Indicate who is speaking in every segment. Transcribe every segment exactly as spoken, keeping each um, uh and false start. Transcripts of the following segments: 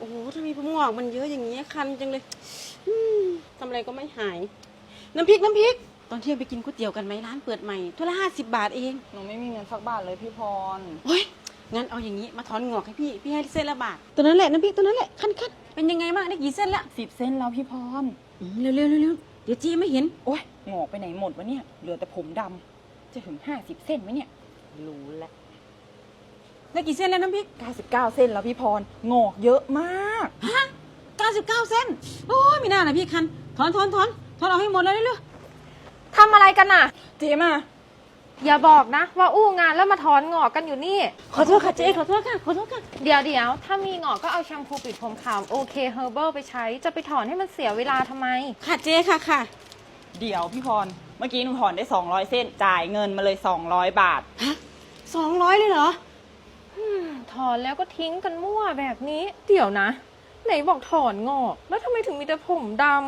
Speaker 1: โอ้โหทำไมผมงอกมันเยอะอย่างนี้คันจังเลยอืมทำอะไรก็ไม่หายน้ำพริกน้ำพริกตอนเที่ยงไปกินก๋วยเตี๋ยวกันไหมร้านเปิดใหม่ถ้วยละห้าสิบบาทเอง
Speaker 2: หนูไม่มีเงินสักบาทเลยพี่พร
Speaker 1: โอ้ยงั้นเอาอย่างนี้มาถอนงอกให้พี่พี่ให้เส้นละบาทตัวนั้นแหละน้ำพริกตัวนั้นแหละคันคันเป็นยังไงบ้างได้กี่เส้นละ
Speaker 2: สิบเส้นแล้วพี่พร
Speaker 1: เร็วเร็วเร็วเร็วเดี๋ยวจี้ไม่เห็น
Speaker 2: โอ้ยงอกไปไหนหมดวะเนี่ยเหลือแต่ผมดำจะถึงห้าสิบเส้นไหมเนี่ยรู้แล้ว
Speaker 1: ได้กี่เส้นแล้วน้ำพริก
Speaker 2: เก้าสิบเก้าเส้นแล้วพี่พรงอกเยอะมาก
Speaker 1: ฮะเก้าสิบเก้าเส้นโอ้ยไม่น่าเลยพี่คันถอนถอนถอนถอนเอาให้หมดเลยเร็ว
Speaker 3: ทำอะไรกันน่ะ
Speaker 2: เจ๊มา
Speaker 3: อย่าบอกนะว่าอู้งานแล้วมาถอนงอกกันอยู่นี่
Speaker 1: ขอโทษค่ะเจ๊ขอโทษค่ะขอโทษค่ะ
Speaker 3: เดี๋ยวเดี๋ยวถ้ามีงอกก็เอาแชมพูปิดผมขาวโอเคเฮอร์เบิลไปใช้จะไปถอนให้มันเสียเวลาทำไม
Speaker 1: ค่ะเจ๊ค่ะค่ะ
Speaker 2: เดี๋ยวพี่พรเมื่อกี้หนูถอนได้สองร้อยเส้นจ่ายเงินมาเลยสองร้อยบาท
Speaker 1: ฮะสองร้อยเลยเหรอ
Speaker 3: ถอนแล้วก็ทิ้งกันมั่วแบบนี้เดี๋ยวนะไหนบอกถอนงอกแล้วทำไมถึงมีแต่ผมดำ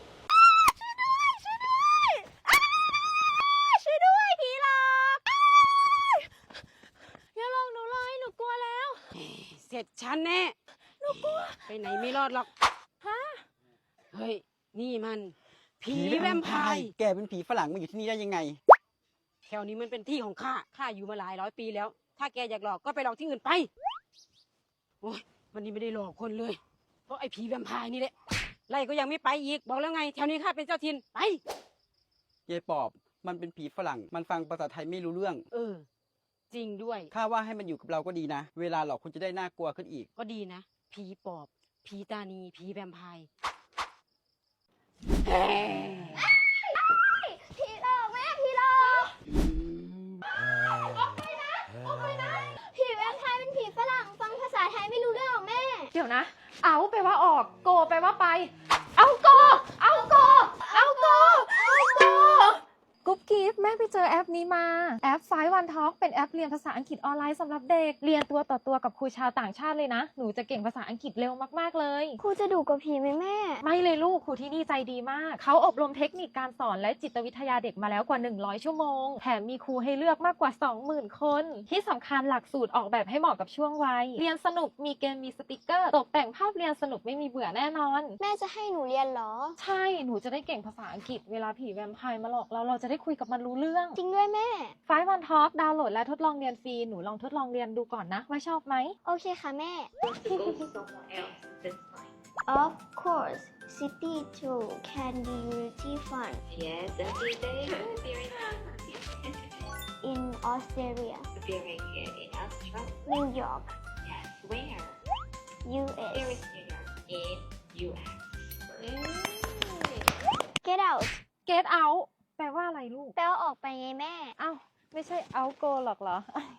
Speaker 1: เสร็จฉันแน่หนูกลัวไปไหนไม่รอดหรอกฮะเฮ้ยนี่มันผีแวมไพร์
Speaker 4: แกเป็นผีฝรั่งมาอยู่ที่นี่ได้ยังไง
Speaker 1: แถวนี้มันเป็นที่ของข้าข้าอยู่มาหลายร้อยปีแล้วถ้าแกอยากหลอกก็ไปหลอกที่อื่นไปโอ้ยวันนี้ไม่ได้หลอกคนเลยเพราะไอ้ผีแวมไพร์นี่แหละไล่ก็ยังไม่ไปอีกบอกแล้วไงแถวนี้ข้าเป็นเจ้าถิ่นไป
Speaker 4: ยายปอบมันเป็นผีฝรั่งมันฟังภาษาไทยไม่รู้เรื่อง
Speaker 1: เออจริงด้วย
Speaker 4: ข้าว่าให้มันอยู่กับเราก็ดีนะเวลาหลอกคุณจะได้น่ากลัวขึ้นอีก
Speaker 1: ก็ดีนะผีปอบผีตานีผีแวมไพร์
Speaker 5: ผีหลอกแม่ผีหลอกออกไปนะออกไปนะผีแวมไพร์เป็นผีฝรั่งฟังภาษาไทยไม่รู้เรื่องหรอกแม่
Speaker 3: เดี๋ยวนะเอาไปว่าออกโกไปว่าไปเอาโกเอาโกเอาโกเอาโกกุ๊บกิ๊บแม่ไปเจอแอปนี้มาแอป ไฟว์ วัน ทอล์ก เป็นแอปเรียนภาษาอังกฤษออนไลน์สำหรับเด็กเรียนตัวต่อตัวกับครูชาวต่างชาติเลยนะหนูจะเก่งภาษาอังกฤษเร็วมากๆเลย
Speaker 5: ครูจะดุกว่าผีไหมแม่
Speaker 3: ไม่เลยลูกครูที่นี่ใจดีมากเขาอบรมเทคนิคการสอนและจิตวิทยาเด็กมาแล้วกว่าหนึ่งร้อยชั่วโมงแถมมีครูให้เลือกมากกว่า สองหมื่น คนที่สำคัญหลักสูตรออกแบบให้เหมาะกับช่วงวัยเรียนสนุกมีเกมมีสติกเกอร์ตกแต่งภาพเรียนสนุกไม่มีเบื่อแน่นอน
Speaker 5: แม่จะให้หนูเรียนเหรอ
Speaker 3: ใช่หนูจะได้เก่งภาษาอังกฤษเวลาผีแวมไพร์มาหลอกเราเราจะได้คุยกับมันรู้เรื่อง
Speaker 5: จริงด้วยแม่
Speaker 3: ไฟว์ วัน ทอล์ก ดาวน์โหลดและทดลองเรียนฟรีหนูลองทดลองเรียนดูก่อนนะว่าชอบไหม
Speaker 5: โอเคค่ะแม่ Of course city tour can be really fun
Speaker 6: Yes every day very fun
Speaker 5: in Australia
Speaker 6: very good in Australia
Speaker 5: New York
Speaker 6: Yes where
Speaker 5: U S
Speaker 6: Where is New York in U S
Speaker 5: Get out
Speaker 3: Get out แปลว่าอะไรลูก
Speaker 5: แปลว่าออกไปไงแม่
Speaker 3: เอ้าไม่ใช่ out go หรอกเหรอ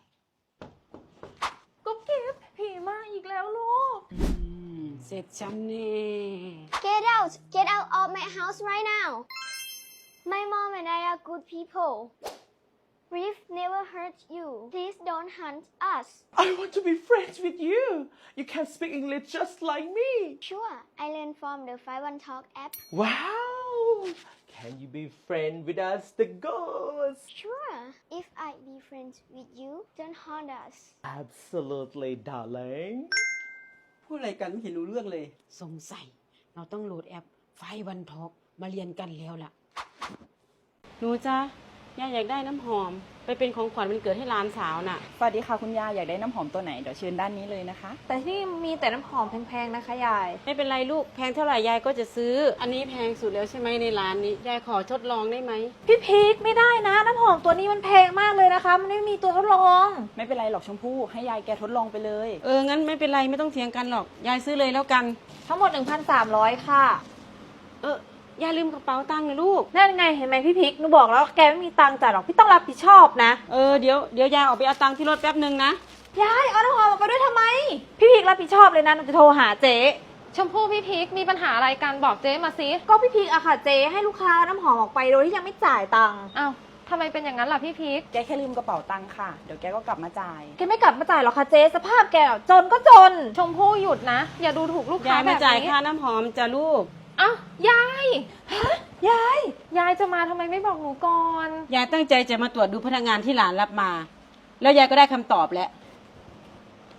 Speaker 3: กุ๊บกิ๊บผีมาอีกแล้วลูก
Speaker 1: เสร็จฉันแน่
Speaker 5: Get out Get out of my house right now My mom and I are good people We've never hurt you Please don't hunt us
Speaker 7: I want to be friends with you You can speak English just like me
Speaker 5: Sure I learned from the ไฟว์ วัน ทอล์ก app
Speaker 7: Wow Can you be friends with us the ghost
Speaker 5: Sure If I be friends with you don't haunt us
Speaker 7: Absolutely darling
Speaker 4: พูดอะไรกันไม่เห็นรู้เรื่องเลย
Speaker 1: สงสัยเราต้องโหลดแอป ไฟว์ วัน ทอล์ก มาเรียนกันแล้วล่ะหนูจ้าย่าอยากได้น้ำหอมไปเป็นของขวัญวันเกิดให้หลานสาวน่ะ
Speaker 2: สวัสดีค่ะคุณยายอยากได้น้ำหอมตัวไหนเดี๋ยวเชิญด้านนี้เลยนะคะ
Speaker 3: แต่ที่มีแต่น้ำหอมแพงๆนะคะยาย
Speaker 1: ไม่เป็นไรลูกแพงเท่าไหร่ยายก็จะซื้ออันนี้แพงสุดแล้วใช่ไหมในร้านนี้ยายขอทดลองได้ไหม
Speaker 3: พี่พีคไม่ได้นะน้ำหอมตัวนี้มันแพงมากเลยนะคะมันไม่มีตัวทดลอง
Speaker 2: ไม่เป็นไรหรอกชมพู่ให้ยายแกทดลองไปเลย
Speaker 1: เอองั้นไม่เป็นไรไม่ต้องเถียงกันหรอกยายซื้อเลยแล้วกัน
Speaker 3: ทั้งหมด หนึ่งพันสามร้อย ค่ะ
Speaker 1: เอออย่าลืมกระเป๋าตังค์นะลูก
Speaker 3: นั่นไงเห็นไหมพี่พิกหนูบอกแล้วแกไม่มีตังค์จ่ายหรอกพี่ต้องรับผิดชอบนะ
Speaker 1: เออเดี๋ยวเดี๋ยวยายออกไปเอาตังค์ที่รถแป๊บนึงนะ
Speaker 3: ยายเอาน้ำหอมออกไปด้วยทำไมพี่พิกรับผิดชอบเลยนะหนูจะโทรหาเจ๊ชมพู่พี่พิกมีปัญหาอะไรกันบอกเจ๊มาสิก็พี่พิกอะค่ะเจ๊ให้ลูกค้าน้ำหอมออกไปโดยที่ยังไม่จ่ายตังค์อ้าวทำไมเป็นอย่างนั้นล่ะพี่พิก
Speaker 2: แกแค่ลืมกระเป๋าตังค์ค่ะเดี๋ยวแกก็กลับมาจ่าย
Speaker 3: แกไม่กลับมาจ่ายหรอกค่ะเจ๊สภาพแกจนก็จนชมพู่หยุดนะอย่าดูถูกลูกค้าแบบนี้
Speaker 1: ยายไม่จ่ายค่าน้ำหอมจ้ะลูก
Speaker 3: อ้าวยายฮะยายยายจะมาทำไมไม่บอกหนูก่อน
Speaker 1: ยายตั้งใจจะมาตรวจดูพนักงานที่หลานรับมาแล้วยายก็ได้คำตอบแล้ว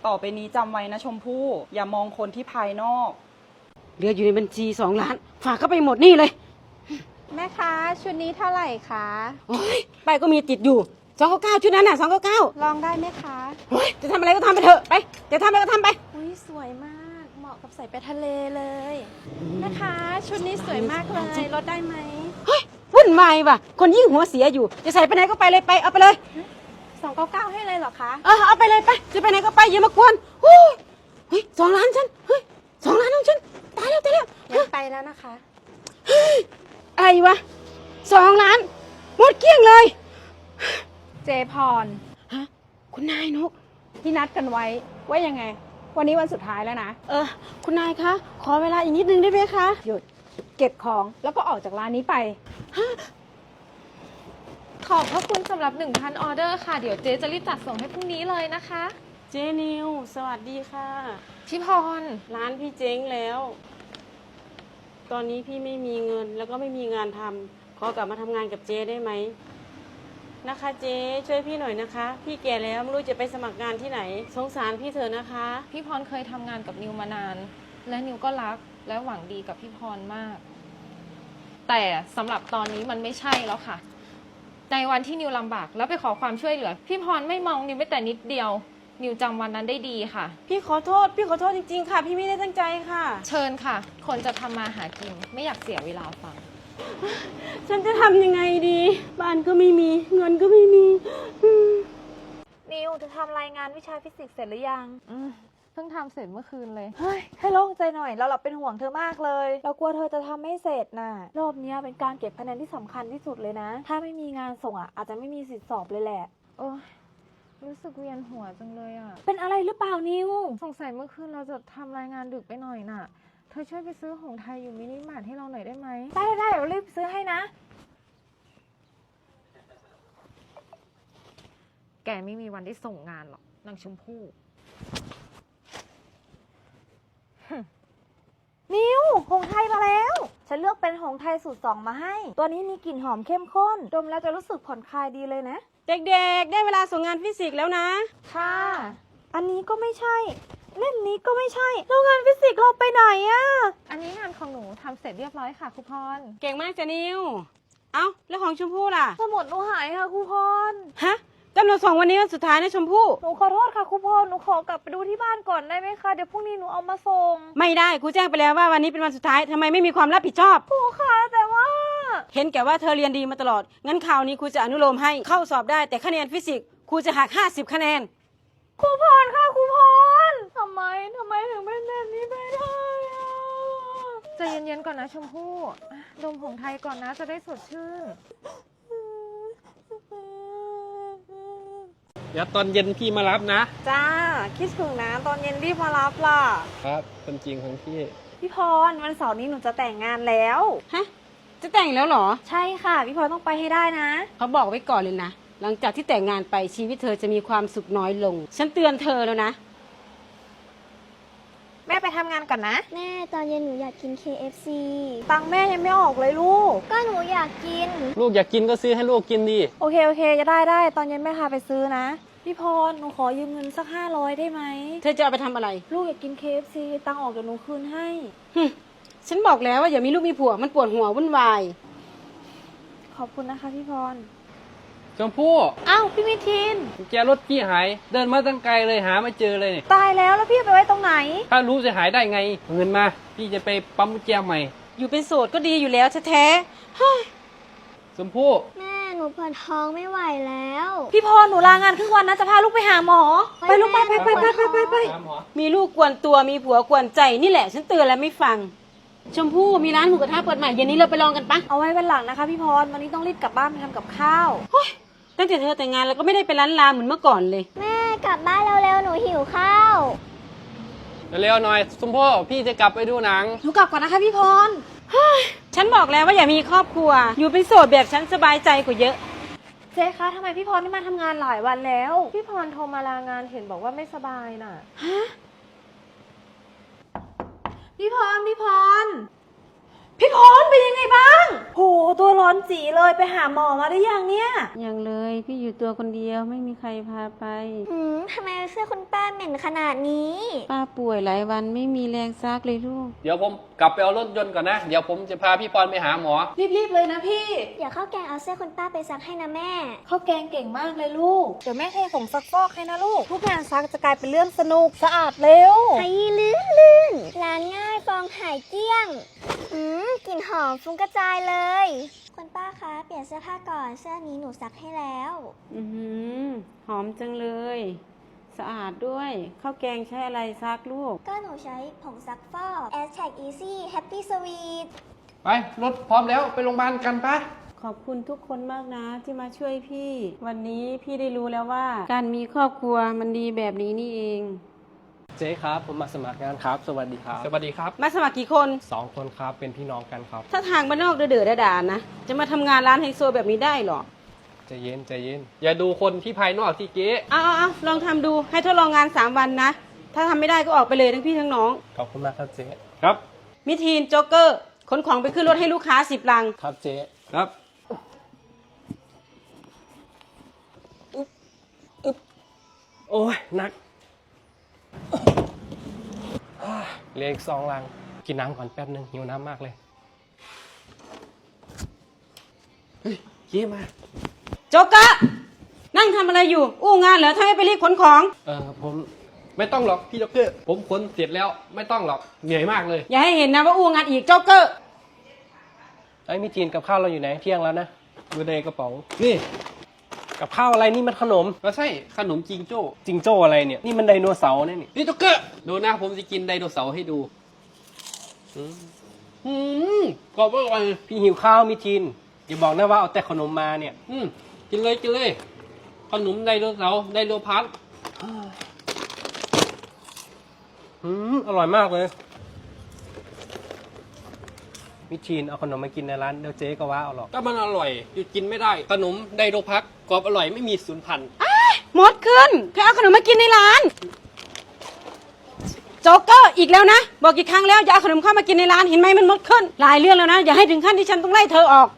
Speaker 2: ต่อไปนี้จำไว้นะชมพู่อย่ามองคนที่ภายนอก
Speaker 1: เหลืออยู่ในบัญชีสองล้าน ฝากเข้าไปหมดนี่เลย
Speaker 3: แม่คะชุดนี้เท่าไหร่คะ
Speaker 1: โอ้ยไปก็มีติดอยู่สองเก้าเก้าชุดนั้นน่ะสองเก้าเก้า
Speaker 3: ลองได้ไหมคะ
Speaker 1: โอ้ยจะทำอะไรก็ทำไปเถอะไปจะทำอะไรก็ทำไป
Speaker 3: อุ้ยสวยมากเหมาะกับใส่ไปทะเลเลยแม่คะชุดนี้สวยมากเลยลดได้ไหม
Speaker 1: เฮ้ยวุ่นวายว่ะคนยิ่งหัวเสียอยู่จะใส่ไปไหนก็ไปเลยไปเอาไปเลย
Speaker 3: สองเก้าเก้าให้เลยเหรอคะ
Speaker 1: เออเอาไปเลยไปจะไปไหนก็ไปอย่ามากวนโอ้ยเฮ้ยสองล้านฉันเฮ้ยสองล้านของฉันตายแล้วตายแล้ว
Speaker 3: งั้นไปแล้วนะคะ
Speaker 1: อะไรวะสองล้านหมดเกลี้ยงเลย
Speaker 3: เจพร
Speaker 1: ฮะคุณนายนก
Speaker 3: ที่นัดกันไว้ว่ายังไง วันนี้วันสุดท้ายแล้วนะ
Speaker 1: เออคุณนายคะขอเวลาอีกนิดนึงได้ไหมคะ
Speaker 3: หยุดเก็บของแล้วก็ออกจากร้านนี้ไป ขอบพระคุณสำหรับ หนึ่งพัน ออเดอร์ค่ะ เดี๋ยวเจ๊จะรีบจัดส่งให้พรุ่งนี้เลยนะคะ
Speaker 1: เจนิวสวัสดีค่ะ
Speaker 3: พี่พร
Speaker 1: ร้านพี่เจ๊งแล้ว ตอนนี้พี่ไม่มีเงินแล้วก็ไม่มีงานทำขอกลับมาทำงานกับเจ๊ได้ไหมนะคะเจ๊ช่วยพี่หน่อยนะคะ พี่แก่แล้วไม่รู้จะไปสมัครงานที่ไหนสงสารพี่เถอะนะคะ
Speaker 3: พี่พรเคยทำงานกับนิวมานาน และนิวก็รักและหวังดีกับพี่พรมาก แต่สำหรับตอนนี้มันไม่ใช่แล้วค่ะ ในวันที่นิวลำบากแล้วไปขอความช่วยเหลือ พี่พรไม่มองนิวแม้แต่นิดเดียว นิวจำวันนั้นได้ดีค่ะ
Speaker 1: พี่ขอโทษ พี่ขอโทษจริงๆค่ะ พี่ไม่ได้ตั้งใจค่ะ
Speaker 3: เชิญค่ะ คนจะทำมาหากินไม่อยากเสียเวลาฟัง
Speaker 1: ฉันจะทำยังไงดี บ้านก็ไม่มี เงินก็ไม่มีอืม
Speaker 8: นิวจะทำรายงานวิชาฟิสิกส์เสร็จหรือยัง
Speaker 3: อืมเพิ่งทำเสร็จเมื่อคืนเลย
Speaker 8: เฮ้ย ให้โล่งใจหน่อย เราเราเป็นห่วงเธอมากเลย เรากลัวเธอจะทำไม่เสร็จน่ะ รอบเนี้ยเป็นการเก็บคะแนนที่สำคัญที่สุดเลยนะ ถ้าไม่มีงานส่งอ่ะอาจจะไม่มีสิทธิ์สอบเลยแหละ
Speaker 3: โอ้ยรู้สึกเวียนหัวจังเลยอ่ะ
Speaker 8: เป็นอะไรหรือเปล่านิว
Speaker 3: สงสัยเมื่อคืนเราจะทำรายงานดึกไปหน่อยน่ะ เธอช่วยไปซื้อหงส์ไทยอยู่มินิมาร์ทให้เราหน่อยได้ไหม
Speaker 8: ได้ได้ได้เดี๋ยวรีบซื้อให้นะ
Speaker 3: แกไม่มีวันได้ส่งงานหรอกนางชมพู่
Speaker 8: นิวหงส์ไทยมาแล้ว ฉันเลือกเป็นหงส์ไทยสูตรสองมาให้ ตัวนี้มีกลิ่นหอมเข้มข้น ดมแล้วจะรู้สึกผ่อนคลายดีเลยนะ
Speaker 1: เด็กๆ ได้เวลาส่งงานฟิสิกส์แล้วนะ
Speaker 8: ค่ะ อันนี้ก็ไม่ใช่ เล่มนี้ก็ไม่ใช่แล้วงานฟิสิกส์เราไปไหนอะ
Speaker 3: อันนี้งานของหนูทำเสร็จเรียบร้อยค่ะครูพร
Speaker 1: เก่งมากจ้ะนิว เอ้า แล้วของชมพู่ล่ะ
Speaker 8: สมุดหนูหายค่ะครูพร
Speaker 1: ฮะกำหนดส่งวันนี้วันสุดท้ายนะชมพู่
Speaker 8: หนูขอโทษค่ะครูพร หนูขอกลับไปดูที่บ้านก่อนได้ไหมคะ เดี๋ยวพรุ่งนี้หนูเอามาส่ง
Speaker 1: ไม่ได้ครูแจ้งไปแล้วว่าวันนี้เป็นวันสุดท้ายทำไมไม่มีความรับผิดชอบ
Speaker 8: ครูคะแต่ว่า
Speaker 1: เห็นแก่ว่าเธอเรียนดีมาตลอด งั้นคราวนี้ครูจะอนุโลมให้เข้าสอบได้แต่คะแนนฟิสิกส์ครูจะหักห้าสิบคะแนน
Speaker 8: ครูพรค่ะครูพรทำไมทำไมถึงเป็นแบบนี้ไปได้อะ
Speaker 3: ใจเย็นๆก่อนนะชมพู่อ่ะดมหงส์ไทยก่อนนะจะได้สดชื่น
Speaker 9: เดี๋ยวตอนเย็นพี่มารับนะ
Speaker 8: จ้า คิดถึงนะตอนเย็นรีบมารับล่ะ
Speaker 9: ครับเป็นจริงของพี่
Speaker 8: พี่พรวันเสาร์นี้หนูจะแต่งงานแล้ว
Speaker 1: ฮะ จะแต่งแล้วเหรอ
Speaker 8: ใช่ค่ะ พี่พรต้องไปให้ได้นะ
Speaker 1: เขาบอกไว้ก่อนเลยนะ หลังจากที่แต่งงานไปชีวิตเธอจะมีความสุขน้อยลง ฉันเตือนเธอแล้วนะ
Speaker 8: แม่ไปทำงานก่อนนะ
Speaker 5: แม่ตอนเย็นหนูอยากกิน เค เอฟ ซี
Speaker 8: ตังค์แม่ยังไม่ออกเลยลูก
Speaker 5: ก็หนูอยากกิน
Speaker 9: ลูกอยากกินก็ซื้อให้ลูกกินดิ
Speaker 8: โอเคโอเคจะได้ได้ตอนเย็นแม่พาไปซื้อนะ พี่พรหนูขอยืมเงินสักห้าร้อยได้ไหม
Speaker 1: เธอจะเอาไปทำอะไร
Speaker 8: ลูกอยากกิน เค เอฟ ซี ตังค์ออกเดี๋ยวหนูคืนให้
Speaker 1: หึฉันบอกแล้วว่าอย่ามีลูกมีผัวมันปวดหัววุ่นวาย
Speaker 8: ขอบคุณนะคะพี่พร
Speaker 9: ชมพู่
Speaker 8: อ้าวพี่มิทิน
Speaker 9: กุญแจรถพี่หาย เดินมาตั้งไกลเลยหาไม่เจอเลยเนี่ย
Speaker 8: ตายแล้วแล้วพี่ไปไว้ตรงไหน
Speaker 9: ถ้ารู้จะหายได้ไงเอาเงินมา พี่จะไปปั๊มกุญแจใหม่
Speaker 1: อยู่เป็นโสดก็ดีอยู่แล้วแท้ๆเฮ้ย
Speaker 9: ชมพู่
Speaker 5: แม่หนูปวดท้องไม่ไหวแล้ว
Speaker 8: พี่พรหนูลางานครึ่งวันนะจะพาลูกไปหาหมอ ไปลูกไปไปไปไปไปไปไป
Speaker 9: ตามหมอ
Speaker 1: มีลูกกวนตัวมีผัวกวนใจนี่แหละ ฉันเตือนแล้วไม่ฟัง ชมพู่มีร้านหมูกระทะเปิดใหม่เย็นนี้เราไปลองกันปะ
Speaker 8: เอาไว้วันหลังนะคะพี่พรวันนี้ต้องรีบกลับบ้านไปทำกับข้าว
Speaker 1: ตั้งแต่เธอแต่งงานแล้วก็ไม่ได้ไปร้านลาเหมือนเมื่อก่อนเลย
Speaker 5: แม่กลับบ้านเร็วๆหนูหิวข้าว
Speaker 9: เร็วๆหน่อยชมพู่พี่จะกลับไปดูหนัง
Speaker 8: หนูกลับก่อนนะคะพี่พร
Speaker 1: ฉันบอกแล้วว่าอย่ามีครอบครัว อยู่เป็นโสดแบบฉันสบายใจกว่าเยอะ
Speaker 8: เจ๊คะทำไมพี่พรไม่มาทำงานหลายวันแล้ว
Speaker 3: พี่พรโทรมาลางานเห็นบอกว่าไม่สบายน่ะ
Speaker 8: พี่พรพี่พรพี่พรเป็นยังไงบ้าง โห ตัวร้อนจีเลยไปหาหมอมาได้ยังเนี่ย
Speaker 1: ยังเลยพี่อยู่ตัวคนเดียวไม่มีใครพาไป
Speaker 5: หืมทำไมเสื้อคุณป้าเหม็นขนาดนี้
Speaker 1: ป้าป่วยหลายวันไม่มีแรงซักเลยลูก
Speaker 9: เดี๋ยวผมกลับไปเอารถยนต์ก่อนนะ เดี๋ยวผมจะพาพี่พรไปหาหมอ
Speaker 8: รีบๆเลยนะพี่
Speaker 5: เดี๋ยวข้าวแกงเอาเสื้อคุณป้าไปซักให้นะแม่
Speaker 8: ข้าวแกงเก่งมากเลยลูก เดี๋ยวแม่เทผงซักฟอกให้นะลูก ทุกงานซักจะกลายเป็นเรื่องสนุกสะอาดเร็ว
Speaker 5: ไอ้ลื่นลื่นร้านง่ายฟองหายเกลี้ยง อืมกลิ่นหอมฟุ้งกระจายเลย คุณป้าคะ เปลี่ยนเสื้อผ้าก่อน เสื้อนี้หนูซักให้แล้ว
Speaker 1: อือหือหอมจังเลย สะอาดด้วยข้าวแกงใช้อะไรซักลูก
Speaker 5: ก็หนูใช้ผงซักฟอก Aztec Easy Happy Sweet
Speaker 9: ไปรถพร้อมแล้วไปโรงพยาบาลกันปะ
Speaker 1: ขอบคุณทุกคนมากนะที่มาช่วยพี่ วันนี้พี่ได้รู้แล้วว่า การมีครอบครัวมันดีแบบนี้นี่เอง
Speaker 7: เจ๊ครับ ผมมาสมัครงานครับ สวัสดีครับ
Speaker 9: สวัสดีครับ
Speaker 1: มาสมัครกี่คน
Speaker 7: สองคนครับ เป็นพี่น้องกันครับ
Speaker 1: ถ้าทางบ้านนอกเดือดๆด่าๆนะ จะมาทำงานร้านไฮโซแบบนี้ได้หรอ
Speaker 7: ใจเย็นใจเย็น
Speaker 9: อย่าดูคนที่ภายนอกที่เก๊
Speaker 1: เอาเอาเอาลองทำดูให้ทดลองงานสามวันนะ ถ้าทำไม่ได้ก็ออกไปเลยทั้งพี่ทั้งน้อง
Speaker 7: ขอบคุณมากครับเจ๊
Speaker 9: ครับ
Speaker 1: มิทีนโจ๊กเกอร์ขนของไปขึ้นรถให้ลูกค้าสิบลัง
Speaker 7: ครับเจ๊
Speaker 9: ครับ
Speaker 7: โอ้ยหนักเหลืออีกสองลัง กินน้ำก่อนแป๊บนึงหิวน้ำมากเลย
Speaker 9: เฮ้ยเก๊มา
Speaker 1: โจ๊กเกอร์นั่งทำอะไรอยู่ อู้งานเหรอถ้าไม่ไปรีบขนของ
Speaker 9: เออผมไม่ต้องหรอกพี่ด็อกเตอร์ผมขนเสร็จแล้วไม่ต้องหรอกเหนื่อยมากเลย
Speaker 1: อย่าให้เห็นนะว่าอู้งานอีกโจ๊กเกอร์
Speaker 7: ไอ้ยมีจีนกับข้าวเราอยู่ไหนเที่ยงแล้วนะ
Speaker 9: อยู่ในกระเป๋านี่
Speaker 7: กับข้าวอะไรนี่มันขนม
Speaker 9: ก็ใช่ขนมจิงโจ้
Speaker 7: จิงโจ้อะไรเนี่ย นี่มันไดโนเสาร์เนี่ยนี่
Speaker 9: นี่ด็อกเตอร์ดูนะผมจะกินไดโนเสาร์ให้ดูอืมอืมกรอบอร่อย
Speaker 7: พี่หิวข้าวมีจีนอย่าบอกนะว่าเอาแต่ขนมมาเนี่ย
Speaker 9: อืมกินเลยกินเลยขนมไดโนเสาร์ไดโนพัท
Speaker 7: อืมอร่อยมากเลยมิทีนเอาขนมมากินในร้านเดี๋ยวเจ๊ก็ว่าเอาหรอก
Speaker 9: ก็มันอร่อยหยุดกินไม่ได้ขนมไดโนพัทกรอบอร่อยไม่มีสูญพันธุ์
Speaker 1: หมดขึ้นใครเอาขนมมากินในร้าน โจ๊กเกอร์อีกแล้วนะ บอกกี่ครั้งแล้วอย่าเอาขนมเข้ามากินในร้านเห็นไหมมันหมดขึ้น หลายเรื่องแล้วนะ อย่าให้ถึงขั้นที่ฉันต้องไล่เธอออก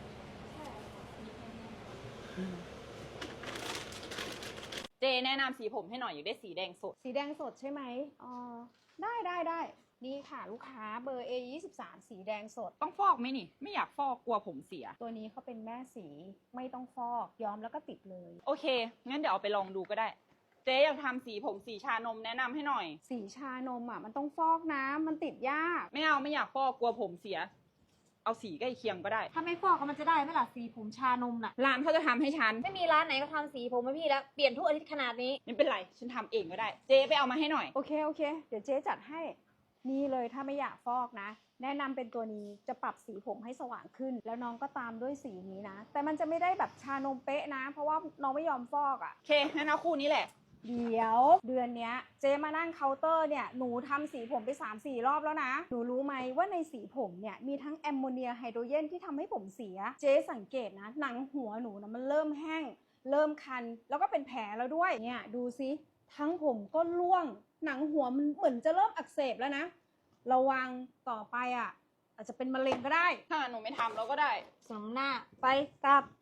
Speaker 2: เจแนะนำสีผมให้หน่อยอยากได้สีแดงสด
Speaker 3: สีแดงสดใช่ไหมอ๋อ ได้ได้ได้นี่ค่ะลูกค้าเบอร์ เอ ยี่สิบสาม สีแดงสด
Speaker 2: ต้องฟอกไหมนี่ ไม่อยากฟอกกลัวผมเสีย
Speaker 3: ตัวนี้เขาเป็นแม่สีไม่ต้องฟอกย้อมแล้วก็ติดเลย
Speaker 2: โอเค งั้นเดี๋ยวเอาไปลองดูก็ได้ เจ๊อยากทำสีผมสีชานมแนะนำให้หน่อย
Speaker 3: สีชานมอ่ะมันต้องฟอกนะมันติดยาก
Speaker 2: ไม่เอาไม่อยากฟอกกลัวผมเสีย เอาสีใกล้เคียงก็ได้
Speaker 8: ถ้าไม่ฟอกก็มันจะได้ไหมล่ะสีผมชานมน่ะ
Speaker 2: ร้านเขาจะทำให้ฉัน
Speaker 8: ไม่มีร้านไหนก็ทำสีผมให้พี่แล้ว เปลี่ยนทุกอาทิตย์ขนาดนี้
Speaker 2: ไม่เป็นไร ฉันทำเองก็ได้ เจ๊ไปเอามาให้หน่อย
Speaker 3: โอเคโอเค เดี๋ยวเจ๊จัดให้ นี่เลยถ้าไม่อยากฟอกนะ แนะนำเป็นตัวนี้จะปรับสีผมให้สว่างขึ้น แล้วน้องก็ตามด้วยสีนี้นะ แต่มันจะไม่ได้แบบชานมเป๊ะนะ เพราะว่าน้องไม่ยอมฟอกอะ่ะ
Speaker 2: โอเค งั้นเอาคู่นี้แหละ
Speaker 3: เดี๋ยวเดือนเนี้ยเจ๊มานั่งเคาน์เตอร์เนี่ยหนูทำสีผมไป สามสี่ รอบแล้วนะ หนูรู้ไหมว่าในสีผมเนี่ยมีทั้งแอมโมเนียไฮโดรเจนที่ทำให้ผมเสีย เจ๊สังเกตนะ หนังหัวหนูนะมันเริ่มแห้ง เริ่มคัน แล้วก็เป็นแผลแล้วด้วยเนี่ยดูซิทั้งผมก็ร่วง หนังหัวมันเหมือนจะเริ่มอักเสบแล้วนะ ระวังต่อไปอ่ะอาจจะเป็นมะเร็งก็ได้
Speaker 2: ถ้าหนูไม่ทำเราก็ได้
Speaker 8: สมหน้า ไปกลับ